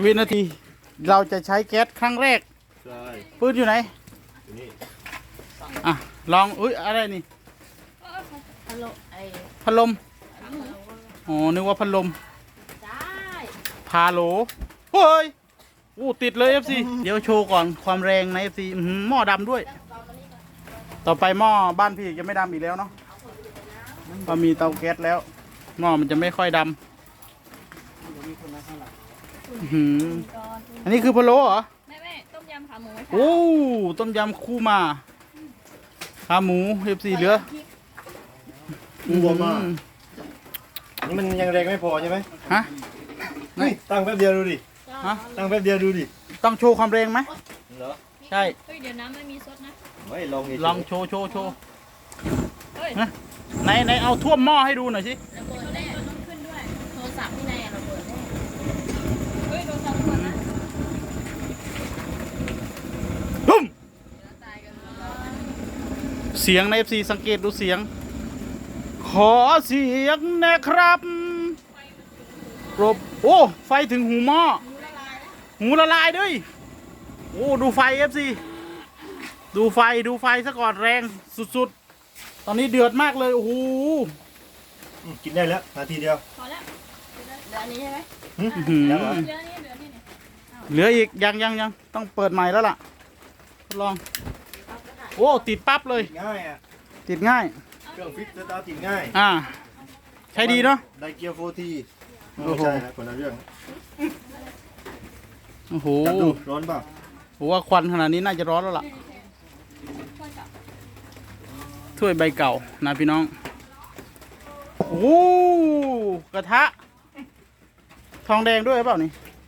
วินาทีเราจะใช้แก๊สครั้งแรกใช่ปืนอยู่ไหนอยู่นี่อ่ะลองอุ้ยอะไรนี่ฮัลโหลไอ้พัดลมอ๋อนึกว่าพัดลมได้พาโหลเฮ้ยอู้ติดเลย FC เดี๋ยวโชว์ก่อนความแรงใน FC หม้อดำด้วย ต่อไปหม้อบ้านพี่จะไม่ดำอีกแล้วเนาะพอมีเตาแก๊สแล้วหม้อมันจะไม่ค่อยดำอันนี้คือพะโล้เหรอไม่ต้มยำขาหมูโอ้ต้มยำคู่มาขาหมู FC เหลือรวมมากนี่มันยังแรงไม่พอใช่ไหมฮะนี่ตั้งแป๊บเดียวดูดิฮะตั้งแป๊บเดียวดูดิต้องโชว์ความแรงไหมเหรอใช่เฮ้ยเดี๋ยวน้ำไม่มีซดนะไม่ลองดิลองโชว์เฮ้ยนะไหนเอาท่วมหม้อให้ดูหน่อยสิระเบิดแน่ต้องขึ้นด้วยโทรศัพท์ที่ไหนอะระเบิดแน่เฮ้ยโทรศัพท์ก่อนนะตุ้มตายกันเสียงใน FC สังเกตดูเสียง ขอเสียงนะครับปรบโอ้ไฟถึงหูหม้อหูละลายด้วยโอ้ดูไฟ FC ดูไฟซะก่อนแรงสุดๆ ตอนนี้เดือดมากเลยโอ้โหกินได้แล้วนาทีเดียวพอแล้วเหลืออันนี้ใช่ไหมอื้อหือแล้วเหรอเหลือนี่เนี่ยเหลืออีกยังต้องเปิดใหม่แล้วล่ะทดลองโอ้ติดปั๊บเลยง่ายอ่ะติดง่ายเครื่องฟิตสตาร์ทติดง่ายใช้ดีเนาะไดเกียวโฟทีโอ้ไม่โหใช่นะคนละเรื่องโอ้โหจับดูร้อนเปล่าผมว่าควันขนาดนี้น่าจะร้อนแล้วล่ะถ้วยใบเก่านะพี่น้องโอ้กระทะ ทองแดงด้วยหรือเปล่านี่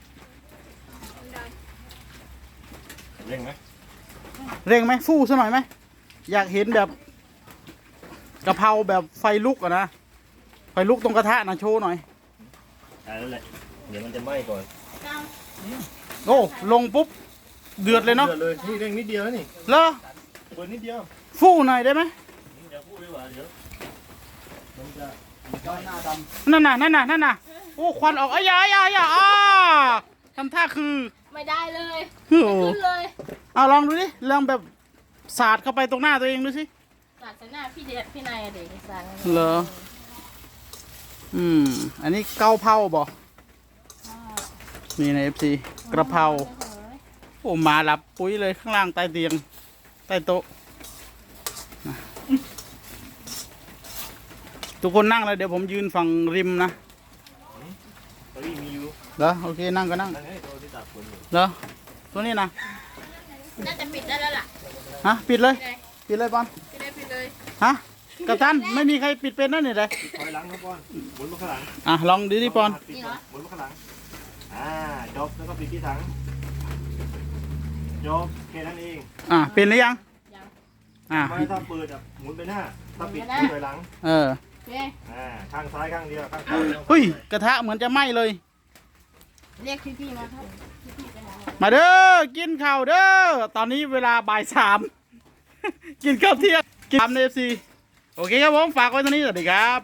เร่งไหมเร่งไหมฟู่ซะหน่อยไหมอยากเห็นแบบกะเพราแบบไฟลุกอะนะไฟลุกตรงกระทะนะโชว์หน่อยได้แล้วแหละเดี๋ยวมันจะไหม้ก่อนโอ้ลงปุ๊บเดือดเลยเนาะเดือดเลยนี่เร่งนิดเดียวนี่เหรอเปิดนิดเดียวฟู่หน่อยได้ไหมเดี๋ยวพูดดีกว่าเดี๋ยวมันจะหน้าดนั่นน่ะโอ้ควันออกอ้ายทำท่าคือไม่ได้เลยโอ้ไม่โหขึ้นเลยเอาลองดูดิลองแบบสาดเข้าไปตรงหน้าตัวเองดูสิสาดใส่หน้าพี่เด็ดพี่นายอะเด็กสาดเหรอ อันนี้เกาเผาบ่นี่ใน FC กระเพราโอ้มาหลับปุ๋ยเลยข้างล่างใต้เตียงใต้โต๊ะนะทุกคนนั่งเลยเดี๋ยวผมยืนฝั่งริมนะตอนนี้มีอยู่เหรอโอเคนั่งก็นั่งนั่นไงตัวที่ตากฝนอยู่เหรอตัวนี้นะน่าจะปิดได้แล้วล่ะฮะปิดเลยพี่นายปิดเลยบอลพี่นายปิดเลยฮะกัปตันไม่มีใครปิดเป็นนั่นนี่เลยถอยหลังครับบอลหมุนมาข้างหลังลองดูดิปอนหมุนมาข้างหลังจบแล้วก็ปิดที่ถังจบแค่นั้นเองเป็นหรือยังยังไม่ถ้าเปิดหมุนไปหน้าถ้าปิดถอยหลังเออโอเคข้างซ้ายข้างเดียวข้างขวาเดียวเฮ้ยกระทะเหมือนจะไหม้เลยเรียกพี่ๆมาครับพี่ๆไปหามาเด้อกินข้าวเด้อตอนนี้เวลาบ่าย 3 กินข้าวเที่ยงกิน3 FC โอเคครับผมฝากไว้เท่านี้สวัสดีครับ